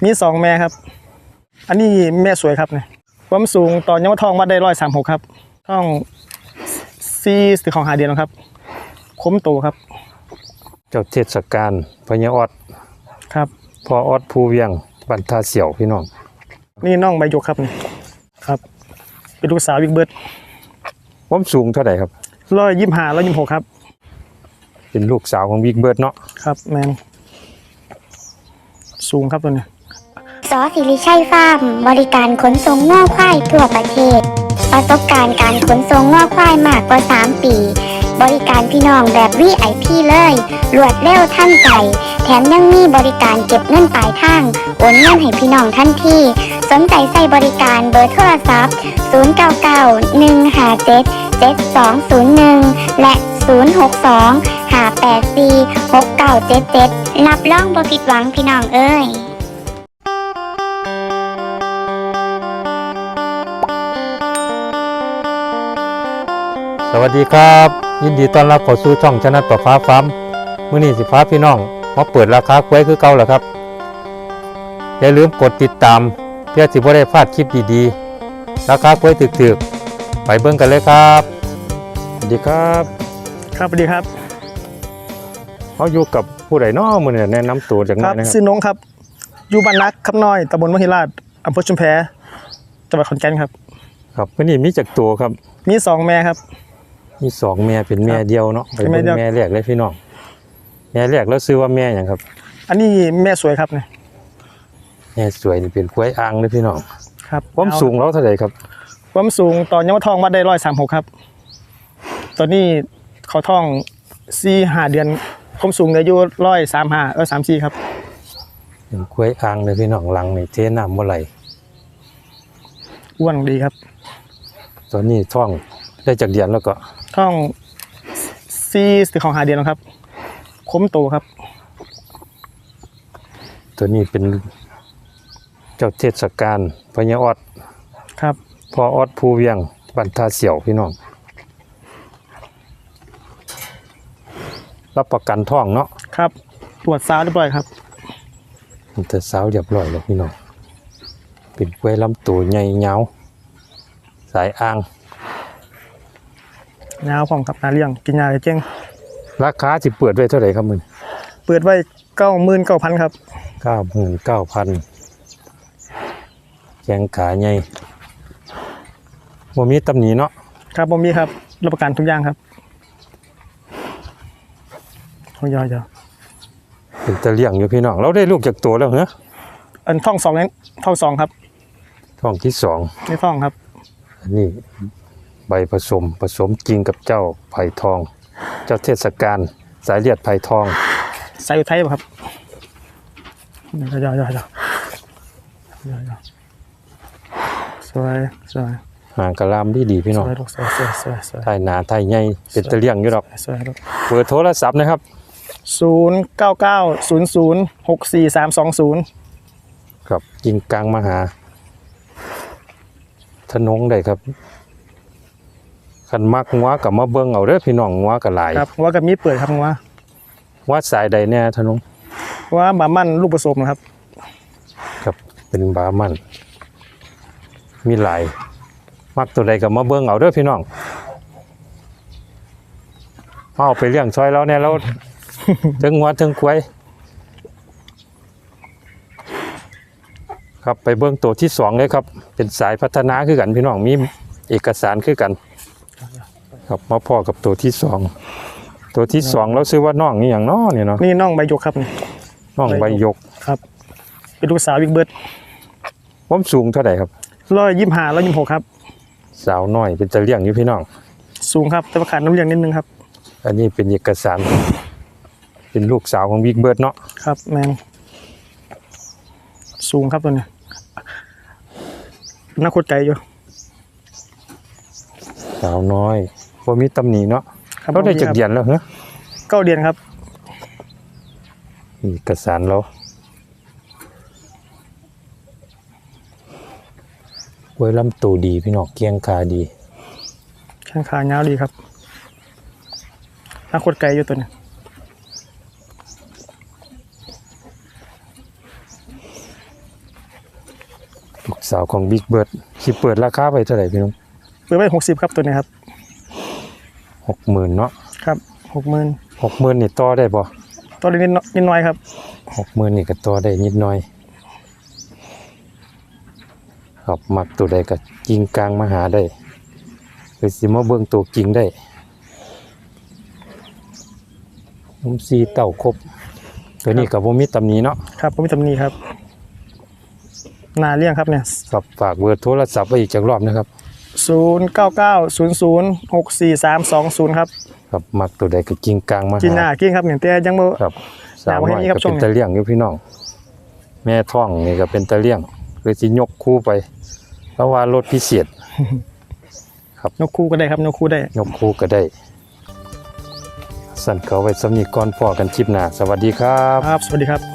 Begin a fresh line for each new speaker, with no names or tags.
มี2แม่ครับอันนี้แม่สวยครับเนี่ยความสูงตอนยังว่าท้องมาได้136ครับท้อง4ของ5 เดือนแล้วครับคุ้มโตครับ
เจ้าเทศกาลพญาออด
ครับ
พอออดภูเวียงบันทาเสี่ยวพี่น้อง
นี่น้องใบยกครับนี่ครับเป็นลูกสาวบิ๊กเบิร์ด
ความสูงเท่าไหร่ครับ
125 126ครับ
เป็นลูกสาวของบิ๊กเบิร์ดเนาะ
ครับแมนสูงครับตัวนี้
สอศิริชัยฟาร์มบริการขนส่งง่อควายทั่วประเทศประสบการณ์การขนส่งง่อควายมากกว่า3 ปีบริการพี่น้องแบบ VIP เลยรวดเร็วทันใจแถมยังมีบริการเก็บเงินปลายทางโอนเงินให้พี่น้องทันทีสนใจใส่บริการเบอร์โทรศัพท์0991577201และ062-584-6977รับรองบ่ผิดหวังพี่น้องเอ้ย
สวัสดีครับยินดีต้อนรับเข้าสู่ช่องชนะต่อฟ้าฟาร์มมื้อนี้สิฟ้าพี่น้องมาเปิดราคากล้วยคือเก่าแล้วครับอย่าลืมกดติดตามเพื่อสิบ่ได้พลาดคลิปดีๆราคากล้วยถึกๆไปเบิ่งกันเลยครับสวัสดีครับ
ครับสวัสดีครับ
เขาอยู่กับผู้ใดน้อมื้อนี้แนะนำตัวจักหน่อยนะครับ
ชื่อน้องครับอยู่บ้านนักคำน้อยตำบลมหิราชอำเภอชุมแพจังหวัดขอนแก่นครับ
ครับมื้อนี้มีจักตัวครับ
มี2แม่ครับ
มี2แม่เป็นแม่เดียวเนาะไปเบิ่งแม่แรกเลยพี่น้องแม่แรกแล้วซื้อว่าแม่หยังครับ
อันนี้แม่สวยครับเนี่ย
แม่สวยนี่เป็นกล้วยอ่างเลยพี่น้อง
ครับ
ความสูงเราเท่าไหร่ครับ
ความสูงตอนยังว่าท้องมาได้136ครับตอนนี้เขาท้อง4-5 เดือนความสูงอายุ135-134ครับ
เป็นกล้วยอ่างเลยพี่น้องหลังนี่เทน้ำบ่ไหล
อ้วนดีครับ
ตอนนี้ท้องได้จากเดือนแล้วก็
ท้อง4ของ5 เดือนแล้วครับคุ้มโตครับ
ตัวนี้เป็นเจ้าเทศกาลพญาออด
ครับ
พอออดภูเวียงบันทาเสี่ยวพี่น้องรับประกันท้องเนาะ
ครับตรวจสาวเรียบร้อยครับ
แต่สาวเรียบร้อยแล้วพี่น้องเป็นกล้วยลำตัวใหญ่ยาวสายอ่าง
ยาวของครับนาเลี้ยงกินยาเจ้ง
ราคาสิเปิดไว้เท่าไหร่ครับมึง
เปิดไว้99,000ครับ
99,000แข้งขาใหญ่บ่มีตำหนิเนาะ
ครับผมมีครับรับประกันทุกอย่างครับเขาย่อย
เป็นตะเลี่ยงอยู่พี่น้องเราได้ลูกจากตัวแล้วเหรอ
อันท้อง2นั้นท้อง2ครับ
ท้องที่2
ไม่ท้องครับ
อันนี้ใบผสมจริงกับเจ้าไผ่ทองเจ้าเทศกาลสายเลือดไผ่ทอง
สายอุทัยป่ะครับย่อยสวย
หางกระลามดีพี่น้อง
สวย
ไทยหนาไทยใหญ่เป็นตะเลี่ยงอยู่ดอก
สวย
เบอร์โทรศัพท์นะครับ
0990064320
ครับกินกลางมหาถนนได้ครับขันมักงัวกับมาเบิ่งเอาเด้อพี่น้องงัวกับหลาย
ครับงัวกับมีเปิดครับงัว
วัดสายใดแน่ถนน
ว่าบามั่นลูกผสมนะครับ
ครับเป็นบามั่นมีหลายมักตัวใดกับมาเบิ่งเอาเด้อพี่น้องเอาไปเลี้ยงซอยแล้วเนี่ยเราถึงงัวถึงควายครับไปเบิ่งตัวที่2เลยครับเป็นสายพัฒนาคือกันพี่น้องมีเอกสารคือกันครับมาพ่อกับตัวที่2เราซื้อว่าน้องนี่อย่างน้อเนี่ยเนาะ
นี่น้องใบยกครับนี่
น้องใบยก
ครับเป็นลูกสาวบิ๊กเบิร์ด
ความสูงเท่าไหร่ครับ
125-126ครับ
สาวน้อยเป็นตะเลี่ยงอยู่พี่น้อง
สูงครับแต่ว่าขาดน้ำเลี้ยงนิดนึงครับ
อันนี้เป็นเอกสารเป็นลูกสาวของบิ๊กเบิร์ดเนาะ
ครับแมนสูงครับตัวนี้น่าโคตรไกลอยู่
สาวน้อยพอมีตำหนิเนาะเขาได้จากเดือนแล้วเหรอ
9 เดือนครับ
เอกสารเรากล้วยลำตัวดีพี่น้องเกียงขาดี
แข้งขาเงาดีครับน่าโคตรไกลอยู่ตัวนี้
ลูกสาวของบิ๊กเบิร์ดสิเปิดราคาไปเท่าไหร่พี่น้อง
เปิดไว้60ครับตัวนี้ครับ
60,000เนาะ
ครับ60,000
60,000นี่ต่อได้บ่
ตัวนี้นิดหน่อยครับ
60,000นี่ก็ต่อได้นิดหน่อยครับมักตัวใดก็กิ่งกลางมาหาได้คือสิมาเบิ่งตัวกิ่งได้ซีเต้าครบตัวนี้ก็บ่มีตำหนิเนาะ
ครับผมมีตำหนิครับหนาเลี้ยงครับเนี่ย
ครับฝากเบอร์โทรศัพท์ไว้อีกจักรอบนะครับ
0990064320ครับ
ครับมักตัวใดก็กิ่งกลางมา
กินหน้า
หา
กินครับเนี่ยแต่ยังบ่
ครับสาว
หน้าบ่
น้อย
เห็นนี่ครับ
ก็
ช่ว
เป็
ง
น
นี้
ตะเลี่ยงอยู่พี่น้องแม่ท้องนี่ก็เป็นตะเลี่ยงคือสิยกคู่ไปเพราะว่ารถพิเศษ
นกคู่ก็ได้ครับนกคู่ได้
ยกคู่ก็ได้สั่นเขาไว้สำนีก่อนพอกันคลิปหน้าสวัสดีครับ
ครับสวัสดีครับ